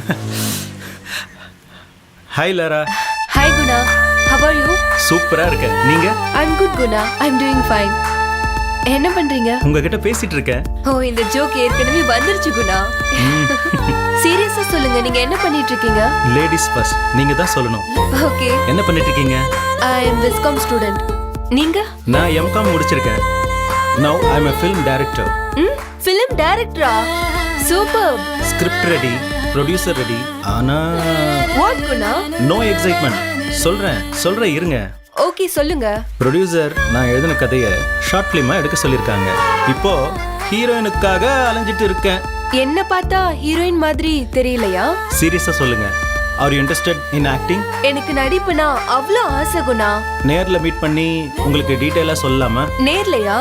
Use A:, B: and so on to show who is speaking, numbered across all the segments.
A: Hi Lara.
B: Hi Guna, how are you?
A: சூப்பரா இருக்க. நீங்க?
B: I'm good Guna, I'm doing fine. என்ன பண்றீங்க?
A: உங்ககிட்ட பேசிட்டு இருக்கேன்.
B: ஓ இந்த ஜோக் ஏற்கனவே வந்துருச்சு குணா. சீரியஸா சொல்லுங்க, நீங்க என்ன பண்ணிட்டு இருக்கீங்க?
A: Ladies first. நீங்க தான் சொல்லணும்.
B: ஓகே.
A: என்ன பண்ணிட்டு இருக்கீங்க?
B: I am Viscom student. நீங்க?
A: நான் M.Com முடிச்சிருக்கேன். Now I am a film director.
B: film director. Superb.
A: Script ready, producer ready. ஆனா
B: What குணா?
A: no excitement. சொல்றேன் இருங்க.
B: ஓகே சொல்லுங்க.
A: ப்ரொடியூசர் நான் எழுதின கதையை ஷார்ட் ஃபிலிமா எடுக்க சொல்லியிருக்காங்க. இப்போ ஹீரோயினுக்காக அலைஞ்சிட்டு இருக்கேன்.
B: என்ன பார்த்தா ஹீரோயின் மாதிரி தெரியலையா?
A: சீரியஸா சொல்லுங்க. Are you interested in acting?
B: எனக்கு நடிப்புனா அவ்வளோ ஆசை குணா.
A: நேர்ல மீட் பண்ணி உங்களுக்கு டீடைலா சொல்லலாமா?
B: நேர்லையா?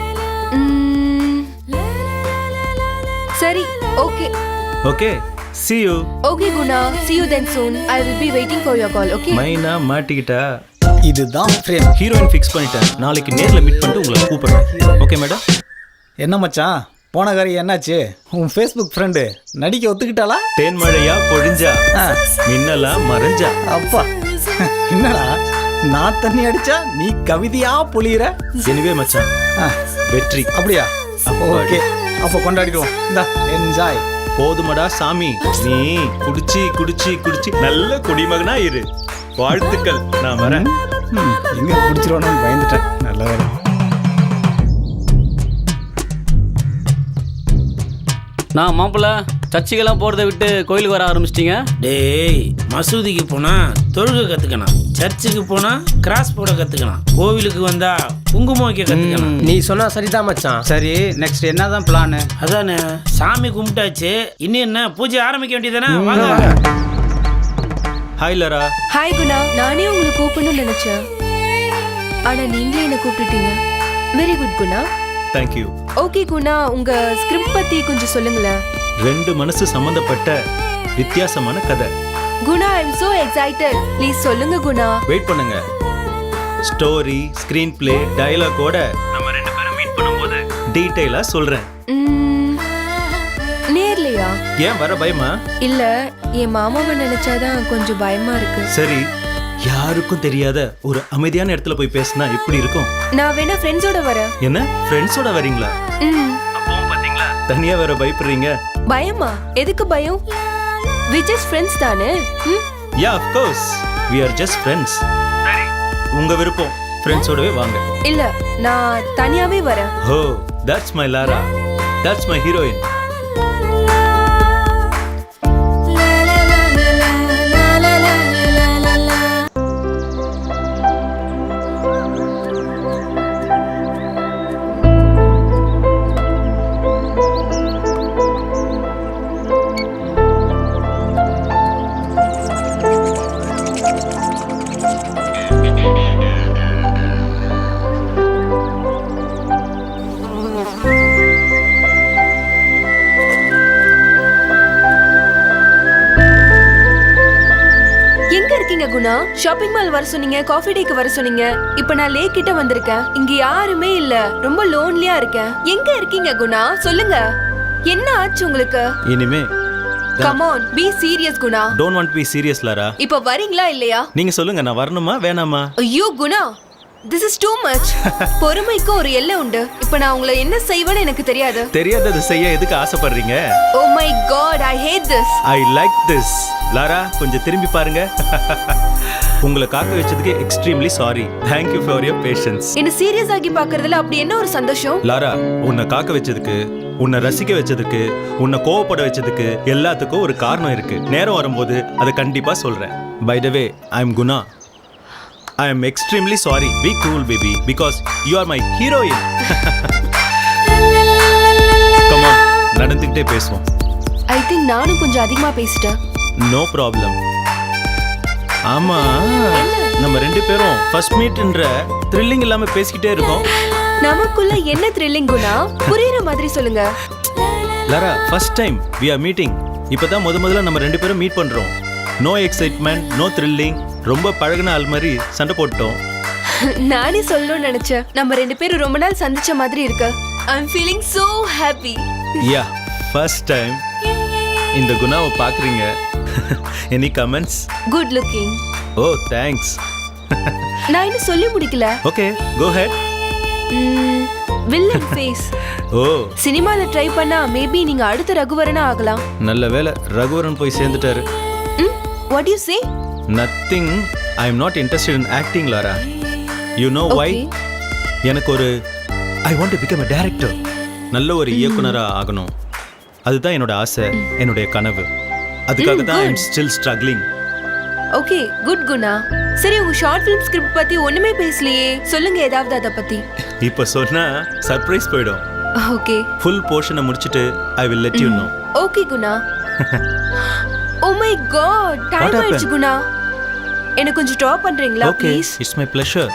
B: சரி okay.
A: Okay, see you.
B: Okay Guna, see you then soon. I will be waiting for your call, okay?
A: மைனா மாட்டிக்கிட்டா.
C: இதுதான் ஃப்ரேம்.
A: ஹீரோயின் ஃபிக்ஸ் பண்ணிட்டேன். நாளைக்கு நேர்ல மீட் பண்ணிட்டு உங்களை கூப்பிடுறேன். Okay madam.
C: என்ன மச்சான், போன காரியம் என்னாச்சு? உன் ஃபேஸ்புக் ஃப்ரெண்டு நடிக்க ஒத்துக்கிட்டாளா?
A: தேன்மழையா பொழிஞ்சா, மின்னலா மறைஞ்சா.
C: அப்பா என்னடா, நான் தண்ணி அடிச்சா நீ கவிதையா பொழியிற.
A: எனிவே மச்சான், வெற்றி.
C: அப்படியா? ஓகே, அப்போ கொண்டாடிடுவோம். இந்தா என்ஜாய்.
A: போதுமடா சாமி, நீ குடிச்சி குடிச்சி குடிச்சி நல்ல குடிமகனா இரு. வாழ்த்துக்கள். நான் வரேன்.
C: எங்க குடிச்சிருவானு பயந்துட்டேன். நல்ல வேலை.
D: நான் மாப்பிள்ள சர்ச்சுக்கெல்லாம் போகிறத விட்டு கோயிலுக்கு வர ஆரம்பிச்சிட்டிங்க?
E: டேய், மசூதிக்கு போனா தொழுகை கத்துக்கணும், சர்ச்சுக்கு போனா கிராஸ் போட கத்துக்கணும், கோவிலுக்கு வந்தா குங்குமம் வைக்க கத்துக்கணும்.
F: நீ சொன்னா சரிதான் மச்சான். சரி, நெக்ஸ்ட் என்னதான் பிளான்?
E: அதானே, சாமி கும்பிட்டாச்சு, இன்னும் என்ன பூஜை ஆரம்பிக்க வேண்டியதானே? வாங்க.
A: Hi Laura.
B: ஹாய் குணா, நானே உங்களை கூப்பிடணும்னு நினைச்சேன், ஆனா நீங்களே என்ன கூப்பிட்டுட்டீங்க. Very good Guna.
A: Thank you.
B: Okay Guna, உங்க ஸ்கிரிப்ட் பத்தி கொஞ்சம் சொல்லுங்களேன்.
A: ரெண்டு மனசு சம்பந்தப்பட்ட வித்தியாசமான கதை.
B: Guna, I am so excited. Please சொல்லுங்க குணா.
A: வெயிட் பண்ணுங்க. ஸ்டோரி, ஸ்கிரீன் பிளே, டயலாகோட நம்ம ரெண்டு பேரும் மீட் பண்ணும்போது டீடைலா சொல்றேன்.
B: நேர்லையா?
A: ஏன் வர பயமா?
B: இல்ல, என் மாமாவை நினைச்சாதான் கொஞ்சம் பயமா இருக்கு.
A: சரி, யாருக்கும் தெரியாத ஒரு அமைதியான இடத்துல போய் பேசினா எப்படி இருக்கும்?
B: நான் வேணா ஃப்ரெண்ட்ஸோட வரேன்.
A: என்ன, ஃப்ரெண்ட்ஸோட வரீங்களா? அப்பவும் பாத்தீங்களா, தனியா வேற பயப்படுறீங்க.
B: பயமா? எதுக்கு பயம்? we just friends தானே.
A: yeah, of course, we are just friends. சரி, உங்க விருப்பம். ஃப்ரெண்ட்ஸோடவே வாங்க.
B: இல்ல, நான் தனியாவே வரேன்.
A: oh, that's my Lara, that's my heroine.
B: Guna, shopping mall வர சொன்னீங்க, காஃபி டேக்கு வர சொன்னீங்க. இப்போ நான் லேக் கிட்ட வந்திருக்கேன். இங்க யாருமே இல்ல, ரொம்ப லோன்லியா இருக்கேன். எங்க இருக்கீங்க குணா? சொல்லுங்க, என்ன ஆச்சு உங்களுக்கு?
A: இனிமே
B: come on, be serious Guna.
A: don't want to be serious Lara.
B: இப்போ வரீங்களா இல்லையா?
A: நீங்க சொல்லுங்க, நான் வரணுமா வேணாமா?
B: ஐயோ Guna, this is too much. பொறுமைக்கு ஒரு எல்லை உண்டு. இப்போ நான் உங்களை என்ன செய்வேன்னு எனக்கு தெரியாது.
A: தெரியாதது செய்ய எதுக்கு ஆசைப்படுறீங்க?
B: oh my god, I hate this.
A: I like this. Lara, கொஞ்சம் திரும்பி பாருங்க. உங்களை காக்க வச்சதுக்கு extremely sorry. Thank you for your patience.
B: என்ன சீரியஸ் ஆகி பார்க்கறதுல அப்படி என்ன ஒரு சந்தோஷம்?
A: லாரா, உன்னை காக்க வச்சதுக்கு, உன்னை ரசிக்க வச்சதுக்கு, உன்னை கோவப்பட வச்சதுக்கு எல்லாத்துக்கும் ஒரு காரணம் இருக்கு. நேரம் வரும்போது அதை கண்டிப்பா சொல்றேன். By the way, I am Guna. I am extremely sorry. Be cool baby, because you are my heroine. Come on, நடந்துக்கிட்டே பேசுவோம்.
B: I think நானும் கொஞ்சம் அதிகமா பேசிட்டேன்.
A: No problem. ஆமா, நம்ம ரெண்டு பேரும் ஃபர்ஸ்ட் மீட்ன்ற த்ரில்லிங் இல்லாம பேசிக்கிட்டே இருக்கோம்.
B: நமக்குள்ள என்ன த்ரில்லிங் குணா? புரியுற மாதிரி சொல்லுங்க.
A: Lara, first time we are meeting. இப்பதான் முதல்ல நம்ம ரெண்டு பேரும் மீட் பண்றோம். No excitement, no thrilling. ரொம்ப பழகுன ஆள் மாதிரி சண்டை போட்டோம்.
B: நானே சொல்லணும்னு நினைச்சேன். நம்ம ரெண்டு பேரும் ரொம்ப நாள் சந்திச்ச மாதிரி இருக்கு. I'm feeling so happy.
A: Yeah, first time இந்த குணாவை பாக்குறீங்க. Any comments?
B: Good looking.
A: Oh thanks.
B: நான் இன்னும் சொல்லி முடிக்கல.
A: Okay go ahead.
B: Villain face.
A: Oh
B: சினிமால ட்ரை பண்ணா மேபி நீங்க அடுத்த ரகுவரனா ஆகலாம்.
A: நல்ல வேளை ரகுவரன் போய் சேர்ந்துட்டாரு.
B: What you say?
A: Nothing. I am not interested in acting Lara. You know why? எனக்கு ஒரு I want to become a director. நல்ல ஒரு இயக்குனரா ஆகணும். அதுதான் என்னோட ஆசை, என்னுடைய கனவு. அதுக்காக தான் I am still struggling.
B: Okay good Guna. சரி உங்க ஷார்ட் ஃபிலிம் ஸ்கிரிப்ட் பத்தி ஒண்ணுமே பேசலையே, சொல்லுங்க ஏதாவது அத பத்தி.
A: இப்போ சொன்னா சர்ப்ரைஸ் போயிடும்.
B: ஓகே
A: ஃபுல் போர்ஷனை முடிச்சிட்டு I will let you know.
B: Okay Guna. Oh my god time ஆயிடுச்சு குணா. எனக்கு கொஞ்சம் ட்ராப் பண்றீங்களா
A: okay
B: please?
A: It's my pleasure.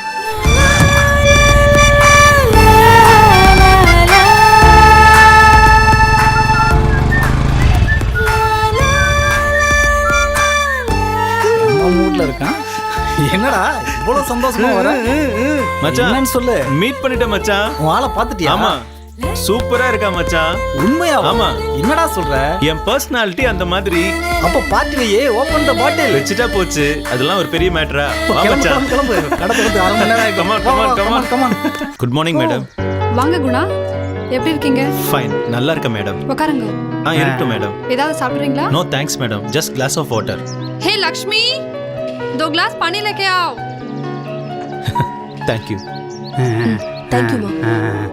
C: மூட்ல இருக்கான். என்னடா இவ்வளவு சந்தோஷமா வர?
A: மச்சான்
C: என்னன்னு சொல்லு.
A: மீட் பண்ணிட்டேன் மச்சான்.
C: உன் ஆளை பாத்துட்டியா?
A: ஆமா சூப்பரா இருக்கா மச்சான்.
C: உண்மையா?
A: ஆமா.
C: என்னடா சொல்ற?
A: என் பர்சனாலிட்டி அந்த மாதிரி.
C: அப்ப பார்ட்டிலேயே ஓபன் த பாட்டில்
A: வச்சுட்டா போச்சு. அதெல்லாம் ஒரு பெரிய மேட்டரா? வா
C: கிளம்பு
A: மச்சான்.
C: கிளம்பு கிளம்பு. கடை திறந்து 1/2 மணி நேரம் ஆயிடும்.
A: Come on.
C: come on.
A: Good morning madam.
G: வாங்க குணா, எப்படி இருக்கீங்க?
A: ஃபைன் நல்லா இருக்க மேடம்.
G: உட்காருங்க.
A: இருக்கட்டும் மேடம்.
G: ஏதாவது சாப்பிடுறீங்களா?
A: நோ தேங்க்ஸ் மேடம், ஜஸ்ட் கிளாஸ் ஆஃப் வாட்டர்.
G: हे लक्ष्मी, 2 ग्लास पानी लेके आओ.
A: தேங்க் யூ
B: தேங்க் யூ மா.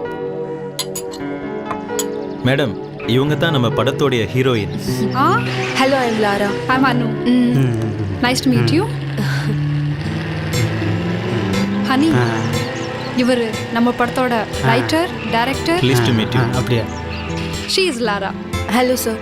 A: மேடம். இவங்க தான் நம்ம படத்தோடைய ஹீரோயின்.
G: हाँ,
B: hello I am Lara.
G: I am Anu. Nice to meet you. Honey, இவர் நம்ம படத்தோட writer, director.
A: Please to meet you.
C: அப்படியே.
G: She is Lara.
B: Hello sir.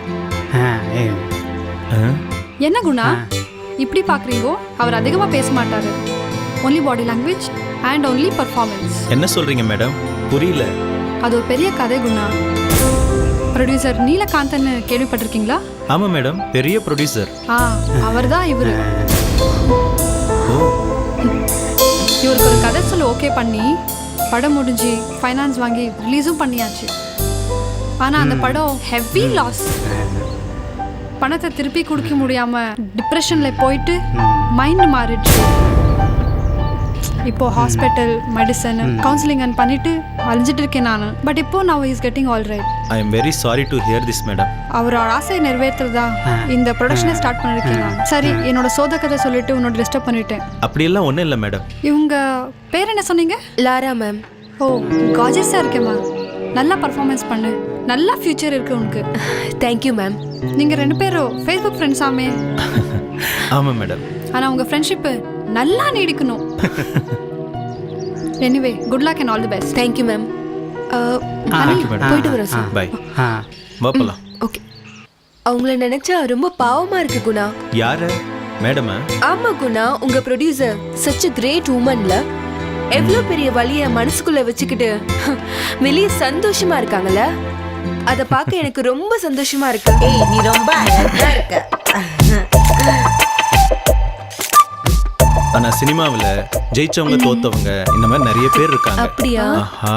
G: என்ன குணா இப்படி பார்க்குறீங்கோ? அவர் அதிகமாக பேச மாட்டாரு. Only body language and only performance.
A: என்ன சொல்றீங்க மேடம்? புரியல.
G: அது ஒரு பெரிய கதை குணா. ப்ரொடியூசர் நீலகாந்தன் கேள்விப்பட்டிருக்கீங்களா?
A: ஆமா மேடம், பெரிய ப்ரொடியூசர்.
G: அவர் தான் இவர்.
A: ஓ
G: இவருக்கு ஒரு கதை சொல்ல ஓகே பண்ணி படம் முடிஞ்சு ஃபைனான்ஸ் வாங்கி ரிலீஸும் பண்ணியாச்சு. ஆனால் அந்த படம் ஹெவி லாஸ். பணத்தை திருப்பி கொடுக்க முடியாம டிப்ரெஷன்ல போயிட்டு மைண்ட் மாறிடுச்சு. இப்போ ஹாஸ்பிட்டல், மெடிசன், கவுன்சிலிங் பண்ணிட்டு அழிஞ்சிட்டு இருக்கேன் நான். பட் இப்போ now is getting all right.
A: I am very sorry to hear this madam.
G: அவரோட ஆசையை நிறைவேற்றுறதா இந்த ப்ரொடக்ஷனை ஸ்டார்ட் பண்ணிருக்கேன் நான். சரி, என்னோட சோத கதை சொல்லிட்டு உன்னோட டிஸ்டர்ப் பண்ணிட்டேன்.
A: அப்படியெல்லாம் ஒன்றும் இல்லை மேடம்.
G: இவங்க பேர் என்ன சொன்னீங்க?
B: Laura ma'am.
G: ஓ காஜஸாக இருக்கேம்மா. நல்லா பர்ஃபார்மன்ஸ் பண்ணு, நல்லா ஃபியூச்சர் இருக்கு உனக்கு.
B: Thank you ma'am.
G: நீங்கள் 2 பேரும் ஃபேஸ்புக் ஃப்ரெண்ட்ஸ் ஆமே.
A: ஆமாம் மேடம்.
G: ஆனால் உங்கள் ஃப்ரெண்ட்ஷிப்பு நல்லா நீடிக்கணும். Anyway good luck and all the best.
B: Thank you ma'am.
A: Thank you madam.
B: போயிட்டு வரோம் சார்.
A: பை. வா போலாம்.
B: ஓகே. அவங்கள நினைச்சா ரொம்ப பாவமா இருக்கு குணா.
A: யாரு மேடமா?
B: ஆமா குணா, உங்க ப்ரொடியூசர் such a great womanல எவ்வளவு பெரிய வலிய மனசுக்குள்ள வச்சுக்கிட்டு வெளிய சந்தோஷமா இருக்காங்கல்ல. அத பார்க்க எனக்கு ரொம்ப சந்தோஷமா இருக்கு.
H: ஏய் நீ ரொம்ப அழகா இருக்க.
A: ஆனா சினிமாவில் ஜெயிச்சவங்க தோத்தவங்க இந்த மாதிரி நிறைய பேர் இருக்காங்க.
B: அப்படியா?
A: ஆஹா.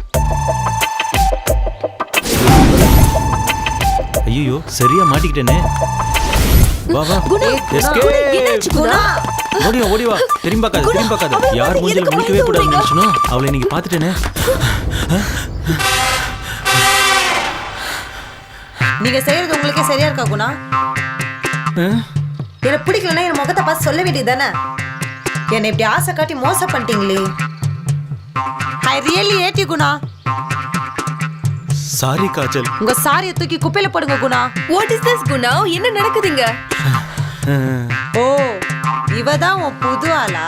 A: ஐயோ சரியா மாட்டிக்கிட்டேனே. வா வா.
B: குணா,
A: Escape.
B: குணா, என்னாச்சு குணா?
A: ஓடி வா. திரும்பி பார்க்காத. யார் மூஞ்சில முடிக்கவே கூடாது நினைச்சனோ அவளை நீங்க பாத்துட்டேனே.
H: நீங்க செய்யறது உங்களுக்கே சரியா இருக்கா குணா? எனக்கு பிடிக்கலன்னா என் முகத்தை பார்த்து சொல்ல வேண்டியதானே? என்னை இப்படி ஆசை காட்டி மோசம் பண்ணிட்டீங்களே. I really hate you Guna.
A: Sorry Kajal.
H: உங்க சாரியை தூக்கி குப்பையில போடுங்க Guna.
B: What is this Guna? என்ன நடக்குதுங்க?
H: ஓ இவதான் உன் புது ஆளா?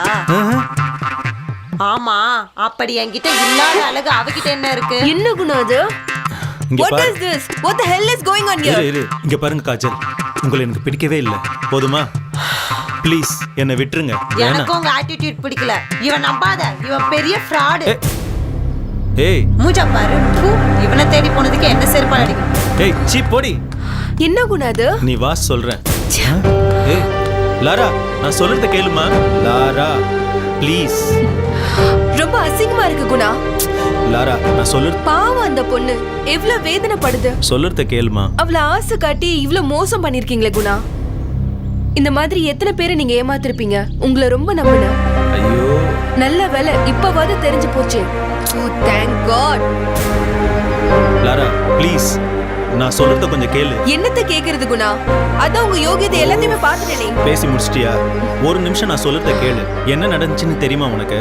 H: ஆமா, அப்படி என்கிட்ட இல்லாத அழகு அவகிட்ட என்ன இருக்கு?
B: என்ன குணா அது?
A: இங்க
B: What
A: பாரு.
B: is this? What the hell is going on here?
A: இரு இங்க பாருங்க காஜல், உங்களை எனக்கு பிடிக்கவே இல்லை. போதுமா? ப்ளீஸ் என்னை விட்டுருங்க.
H: எனக்கு உங்க ஆட்டிடியூட் பிடிக்கல. இவன் நம்பாத, இவன் பெரிய ஃப்ராட்.
A: ஏய்
H: மூஞ்சா பாரு. இவனை தேடி போனதுக்கு என்ன செருப்பால் அடிக்கணும்?
A: ஏய் சீ போடி.
B: என்ன குணா அது?
A: நீ வா சொல்றேன். ஏய் லாரா, நான் சொல்றத கேளுமா. Lara please.
B: ரொம்ப அசிங்கமா இருக்கு குணா.
A: லாரா நான் சொல்றது.
B: பாவம் அந்த பொண்ணு எவ்வளவு வேதனைப்படுது.
A: சொல்றத கேளுமா.
B: அவள ஆசை காட்டி இவ்ளோ மோசம் பண்ணிருக்கீங்களே குணா. இந்த மாதிரி எத்தனை பேரை நீங்க ஏமாத்திருப்பீங்க. உங்களை ரொம்ப நம்பினேன்.
A: ஐயோ
B: நல்ல வேலை இப்பவாது தெரிஞ்சு போச்சு. Thank God.
A: லாரா ப்ளீஸ் நான் சொல்றத கொஞ்சம் கேளு.
B: என்னத்த கேக்குறது குணா? அதான் உங்க யோகியதை எல்லாத்தையுமே பார்த்துட்டேனே.
A: பேசி முடிச்சிட்டியா? ஒரு நிமிஷம் நான் சொல்றத கேளு. என்ன நடந்துச்சுன்னு தெரியுமா உனக்கு?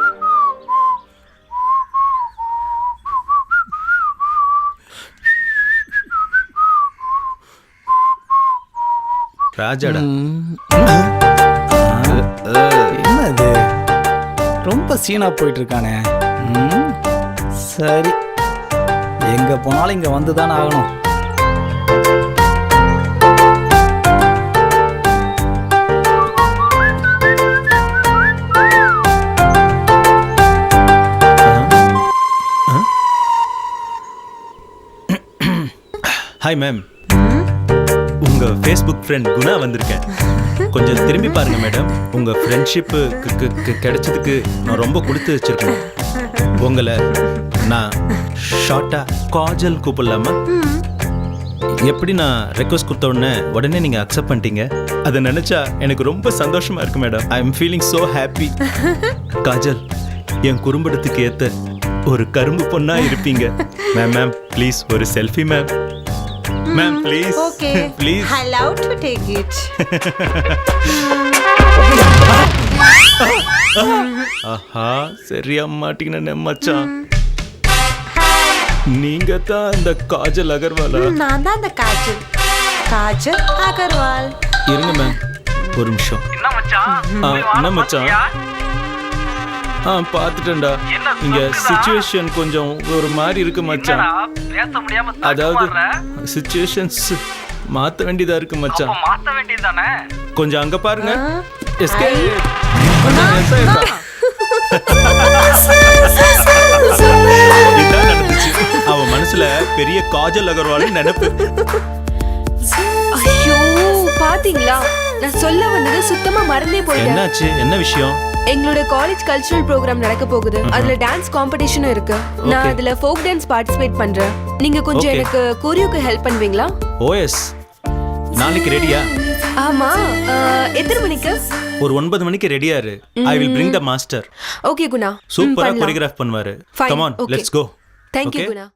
A: ராஜாடா.
C: என்னது ரொம்ப சீனா போயிட்டு இருக்கானே. சரி எங்க போனாலும் இங்க வந்து தானே ஆகணும்.
A: ஹாய் மேம், உங்க ஃபேஸ்புக் ஃப்ரெண்ட் குணா வந்திருக்கேன். கொஞ்சம் திரும்பி பாருங்க மேடம். உங்க ஃப்ரெண்ட்ஷிப்பு கிடைச்சதுக்கு நான் ரொம்ப கொடுத்து வச்சிருக்கேன். உங்களை நான் ஷார்ட்டா காஜல் கூப்பிடலாமா? எப்படி நான் ரெக்வஸ்ட் கொடுத்த உடனே நீங்க அக்செப்ட் பண்ணிட்டீங்க. அதை நினைச்சா எனக்கு ரொம்ப சந்தோஷமா இருக்கு madam. I am feeling so happy. Kajal, என் குறும்படத்துக்கு ஏத்த ஒரு கரும்பு பொண்ணா இருப்பீங்க. மேம் ப்ளீஸ் ஒரு selfie ma'am. Ma'am please
H: okay
A: please.
H: I love to take it.
A: ஆஹா சரியா மாட்டீங்கன்னு மச்சான். நீங்க தான் அந்த காஜல் அகர்வாலா?
H: நான் தான் அந்த காஜல் அகர்வால்.
A: இருங்க மேம் ஒரு நிமிஷம். என்ன மச்சான்? பார்த்துட்டேன்டா. இங்க சிச்சுவேஷன் கொஞ்சம் ஒரு மாதிரி இருக்கு மச்சான். அதாவது சிச்சுவேஷன்ஸ் மாத்த வேண்டியதா இருக்கு மச்சான். கொஞ்சம் அங்க பாருங்க. இதான் நடந்துச்சு. அவ மனசுல பெரிய காஜல் அகர்வால் நினைப்பு.
B: ஐயோ பாத்தீங்களா, நான் சொல்ல வந்தது சுத்தமா மறந்தே போயிட்டேன்.
A: என்னாச்சு? என்ன விஷயம்?
B: எங்களோட காலேஜ் கல்ச்சுரல் ப்ரோக்ராம் நடக்க போகுது. அதுல டான்ஸ் காம்படிஷனும் இருக்கு. நான் அதுல ஃபோக் டான்ஸ் பார்ட்டிசிபேட் பண்றேன். நீங்க கொஞ்சம் எனக்கு கோரியோக்கு ஹெல்ப் பண்ணுவீங்களா?
A: ஓஎஸ், நாளைக்கு ரெடியா?
B: ஆமா. எத்தனை மணிக்கு?
A: ஒரு 9 மணிக்கு ரெடியா இரு. I will bring the master.
B: Okay Guna.
A: சூப்பரா கோரியோகிராஃப் பண்ணுவாரு. Come on, let's go.
B: Thank you Guna.